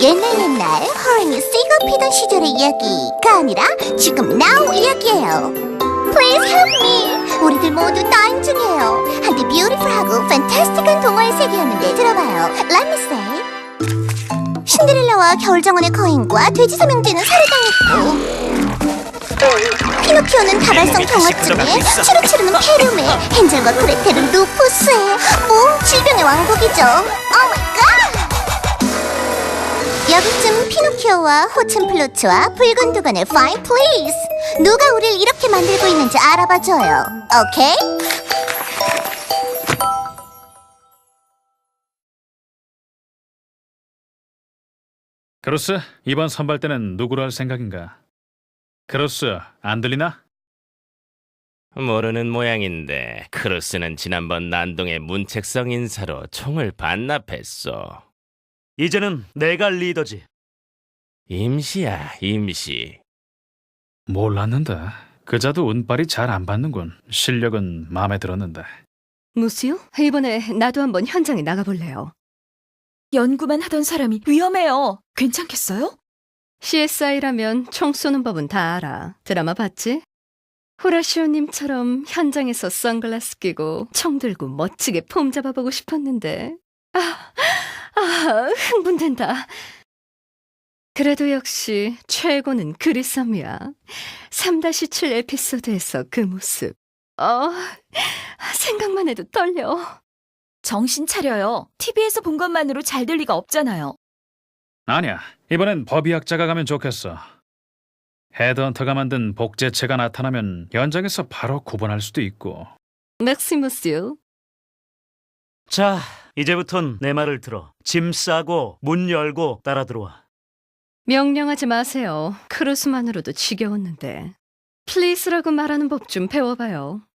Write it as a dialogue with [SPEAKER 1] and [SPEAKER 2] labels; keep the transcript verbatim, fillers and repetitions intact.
[SPEAKER 1] 옛날 옛날 호랑이 쇠가 피던 시절의 이야기가 아니라 지금 now 이야기예요. Please help me. 우리들 모두 dying 중이에요. 한때 beautiful하고 fantastic한 동화의 세계였는데 들어봐요. Let me say. 신데렐라와 겨울정원의 거인과 돼지 삼형제는 살해당했고 피노키오는 다발성 경화증에 치루치루는 폐렴에 헨젤과 그레텔은 루푸스에 뭐 질병의 왕국이죠. Oh my god! 여기쯤 피노키오와 호첸플루츠와 붉은 두건의 Fine Please 누가 우릴 이렇게 만들고 있는지 알아봐줘요. 오케이?
[SPEAKER 2] 크루스, 이번 선발 때는 누구로 할 생각인가? 크루스, 안 들리나?
[SPEAKER 3] 모르는 모양인데 크루스는 지난번 난동의 문책성 인사로 총을 반납했어.
[SPEAKER 4] 이제는 내가 리더지.
[SPEAKER 3] 임시야, 임시.
[SPEAKER 2] 몰랐는데 그자도 운빨이 잘 안 받는군. 실력은 마음에 들었는데.
[SPEAKER 5] 무시요? 이번에 나도 한번 현장에 나가볼래요.
[SPEAKER 6] 연구만 하던 사람이 위험해요. 괜찮겠어요?
[SPEAKER 5] 씨에스아이라면 총 쏘는 법은 다 알아. 드라마 봤지? 호라시오님처럼 현장에서 선글라스 끼고 총 들고 멋지게 폼 잡아보고 싶었는데 아, 아 흥분된다. 그래도 역시 최고는 그리썸이야. 삼 칠 에피소드에서 그 모습 어, 생각만 해도 떨려.
[SPEAKER 6] 정신 차려요. 티비에서 본 것만으로 잘 될 리가 없잖아요.
[SPEAKER 2] 아니야, 이번엔 법의학자가 가면 좋겠어. 헤드헌터가 만든 복제체가 나타나면 현장에서 바로 구분할 수도 있고.
[SPEAKER 5] 맥시무스요.
[SPEAKER 4] 자, 이제부턴 내 말을 들어. 짐 싸고 문 열고 따라 들어와.
[SPEAKER 5] 명령하지 마세요. 크루스만으로도 지겨웠는데. 플리즈라고 말하는 법 좀 배워봐요.